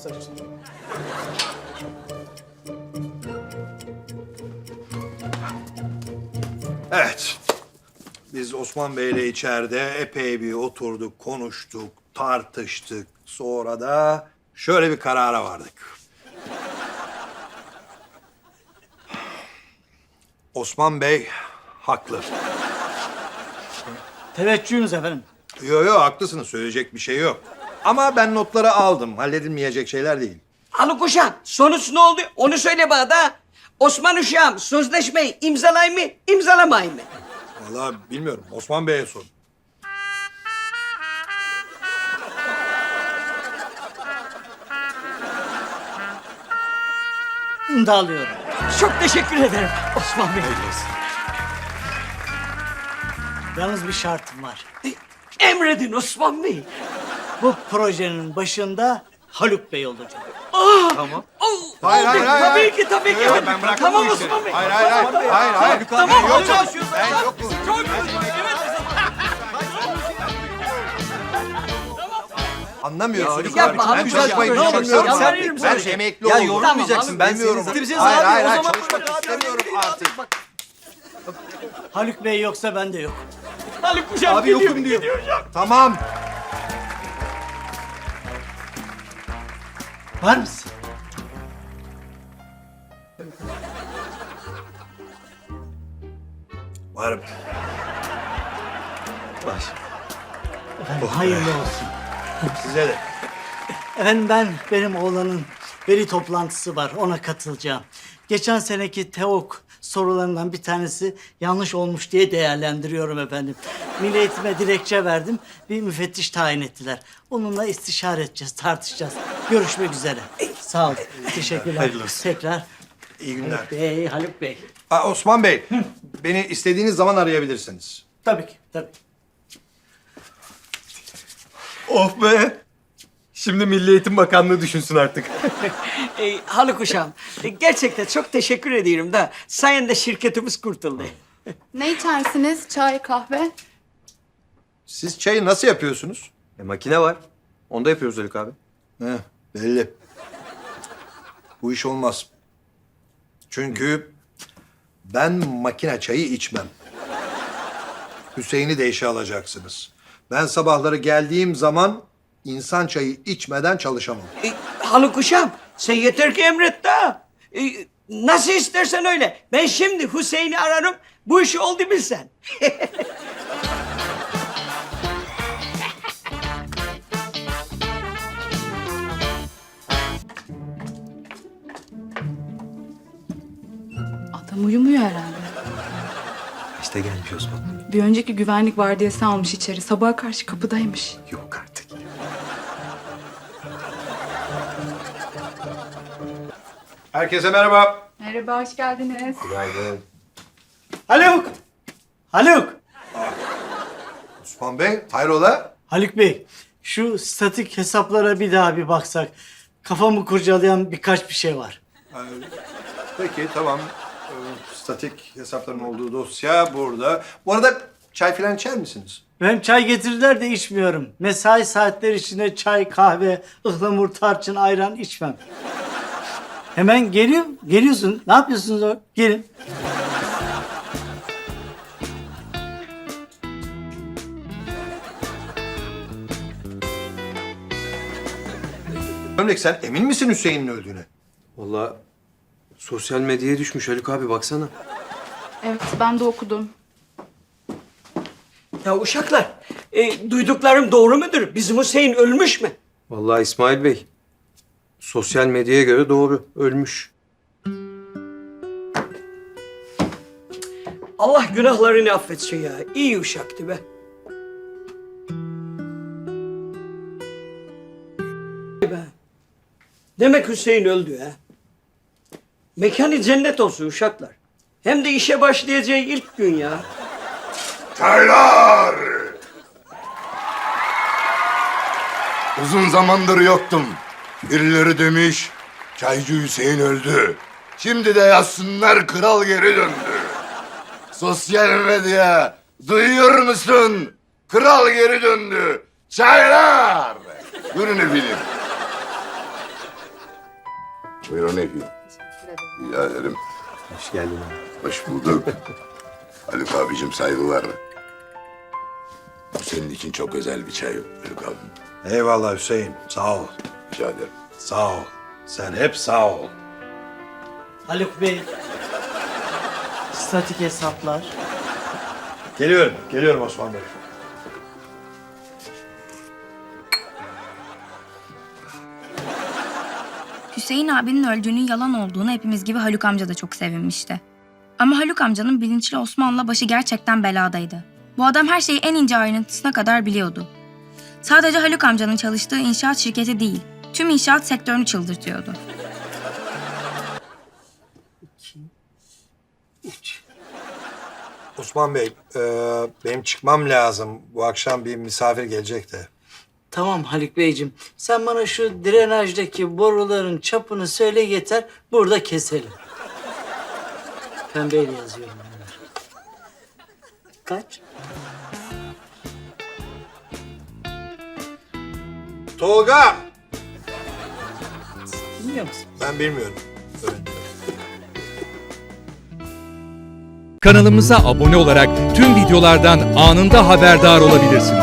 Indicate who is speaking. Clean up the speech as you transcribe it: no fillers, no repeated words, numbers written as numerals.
Speaker 1: masaj üstüne.
Speaker 2: Evet. Biz Osman Bey'le içeride epey bir oturduk, konuştuk, tartıştık. Sonra da şöyle bir karara vardık. Osman Bey haklı.
Speaker 1: Teveccühünüz efendim.
Speaker 2: Yo haklısınız. Söyleyecek bir şey yok. Ama ben notları aldım. Halledilmeyecek şeyler değil.
Speaker 3: Haluk uşağım, sonuç ne oldu? Onu söyle bana da. Osman uşağım, sözleşmeyi imzalay mı, imzalamay mı?
Speaker 2: Vallahi bilmiyorum. Osman Bey'e sorun.
Speaker 1: İmzalıyorum.
Speaker 3: Çok teşekkür ederim Osman Bey.
Speaker 1: Yalnız bir şartım var.
Speaker 3: Emredin Osman Bey.
Speaker 1: Bu projenin başında Haluk Bey olacak.
Speaker 2: Tamam.
Speaker 3: Oh,
Speaker 2: Hayır,
Speaker 3: oldu.
Speaker 2: hayır, hayır,
Speaker 3: Tabii
Speaker 2: hayır.
Speaker 3: ki, tabii ki.
Speaker 2: Yok, ben bıraktım
Speaker 3: Tamam
Speaker 2: bu işleri.
Speaker 3: Osman Bey.
Speaker 2: Hayır, hayır.
Speaker 3: Tamam,
Speaker 2: Ben yokum.
Speaker 3: çalışıyoruz.
Speaker 2: Ben yokum. Anlamıyorsunuz.
Speaker 3: Yapma,
Speaker 2: Ben
Speaker 3: Haluk
Speaker 2: çalışmayı
Speaker 3: Hocam, ne olur,
Speaker 2: düşünmüyorum
Speaker 3: sen
Speaker 2: artık.
Speaker 3: verir misin
Speaker 2: Ben
Speaker 3: bir şey?
Speaker 2: emekli
Speaker 4: Ya
Speaker 2: oldum.
Speaker 4: yorulmayacaksın. Ben
Speaker 2: Bilmiyorum.
Speaker 4: seni bize
Speaker 2: Hayır,
Speaker 4: zaten
Speaker 2: hayır,
Speaker 4: o
Speaker 2: hayır.
Speaker 4: zaman
Speaker 2: Çalışmak istemiyorum artık.
Speaker 1: Haluk Bey yoksa ben de yok.
Speaker 3: Haluk uşağım
Speaker 4: Abi yokum diyor.
Speaker 2: Tamam.
Speaker 1: Var mısın?
Speaker 2: Varım.
Speaker 4: Baş.
Speaker 1: Efendim hayırlı olsun.
Speaker 2: Size de.
Speaker 1: Efendim benim oğlanın veli toplantısı var. Ona katılacağım. Geçen seneki TEOK sorularından bir tanesi yanlış olmuş diye değerlendiriyorum efendim. Milli Eğitim'e dilekçe verdim. Bir müfettiş tayin ettiler. Onunla istişare edeceğiz, tartışacağız. Görüşmek üzere. Sağ olun. Teşekkürler.
Speaker 4: Hayırlı olsun.
Speaker 1: Tekrar.
Speaker 2: İyi günler.
Speaker 1: Haluk Bey.
Speaker 2: Osman Bey, beni istediğiniz zaman arayabilirsiniz.
Speaker 1: Tabii ki, tabii.
Speaker 4: Of be. Şimdi Milli Eğitim Bakanlığı düşünsün artık.
Speaker 3: Haluk uşağım, gerçekten çok teşekkür ediyorum da sayende şirketimiz kurtuldu.
Speaker 5: Ne içersiniz? Çay, kahve?
Speaker 2: Siz çayı nasıl yapıyorsunuz?
Speaker 4: Makine var. Onu da yapıyoruz Haluk abi.
Speaker 2: Heh, belli. Bu iş olmaz. Çünkü ben makine çayı içmem. Hüseyin'i de işe alacaksınız. Ben sabahları geldiğim zaman insan çayı içmeden çalışamam.
Speaker 3: Haluk uşağım, sen yeter ki emret da. Nasıl istersen öyle. Ben şimdi Hüseyin'i ararım, bu işi oldu bilsen.
Speaker 5: Adam uyumuyor herhalde.
Speaker 4: İşte gelmiş Osman.
Speaker 5: Bir önceki güvenlik vardiyası almış içeri. Sabaha karşı kapıdaymış.
Speaker 4: Yok artık.
Speaker 2: Herkese merhaba.
Speaker 5: Merhaba, hoş geldiniz.
Speaker 4: Günaydın.
Speaker 1: Haluk! Haluk!
Speaker 2: Osman Bey, hayrola?
Speaker 1: Haluk Bey, şu statik hesaplara bir daha bir baksak. Kafamı kurcalayan birkaç bir şey var.
Speaker 2: Peki, tamam. Statik hesapların olduğu dosya burada. Bu arada çay falan içer misiniz?
Speaker 1: Benim çay getirdiler de içmiyorum. Mesai saatleri içinde çay, kahve, ıhlamur, tarçın, ayran içmem. Hemen geliyorsun. Ne yapıyorsunuz o? Gelin.
Speaker 2: Ömrek sen emin misin Hüseyin'in öldüğüne?
Speaker 4: Vallahi sosyal medyaya düşmüş Haluk abi baksana.
Speaker 5: Evet, ben de okudum.
Speaker 3: Ya uşaklar, duyduklarım doğru mudur? Bizim Hüseyin ölmüş mü?
Speaker 4: Vallahi İsmail Bey. Sosyal medyaya göre doğru. Ölmüş.
Speaker 3: Allah günahlarını affetsin ya. İyi uşaktı be. Be. Demek Hüseyin öldü ha. Mekanı cennet olsun uşaklar. Hem de işe başlayacağı ilk gün ya.
Speaker 6: Çaylar! Uzun zamandır yoktum. Birileri demiş, Çaycı Hüseyin öldü. Şimdi de yazsınlar kral geri döndü. Sosyal medya, duyuyor musun? Kral geri döndü. Çaylar! Buyurun efendim. Buyurun efendim. Rica ederim.
Speaker 4: Hoş geldin.
Speaker 6: Hoş bulduk. Haluk abicim saygılar. Bu senin için çok özel bir çay Haluk abim.
Speaker 2: Eyvallah Hüseyin. Sağ ol.
Speaker 6: Rica ederim.
Speaker 2: Sağ ol. Sen hep sağ ol.
Speaker 1: Haluk Bey. Statik hesaplar.
Speaker 2: Geliyorum. Geliyorum Osman Bey.
Speaker 7: Hüseyin abinin öldüğünün yalan olduğunu hepimiz gibi Haluk amca da çok sevinmişti. Ama Haluk amcanın bilinçli Osman'la başı gerçekten beladaydı. Bu adam her şeyi en ince ayrıntısına kadar biliyordu. Sadece Haluk amcanın çalıştığı inşaat şirketi değil, tüm inşaat sektörünü çıldırtıyordu.
Speaker 2: Osman Bey, benim çıkmam lazım. Bu akşam bir misafir gelecek de.
Speaker 1: Tamam Haluk Beyciğim. Sen bana şu drenajdaki boruların çapını söyle yeter. Burada keselim. Pembeyle yazıyorum. Yani. Kaç?
Speaker 2: Tolga!
Speaker 1: Bilmiyor musun?
Speaker 2: Ben bilmiyorum. Öğrendim.
Speaker 8: Kanalımıza abone olarak tüm videolardan anında haberdar olabilirsiniz.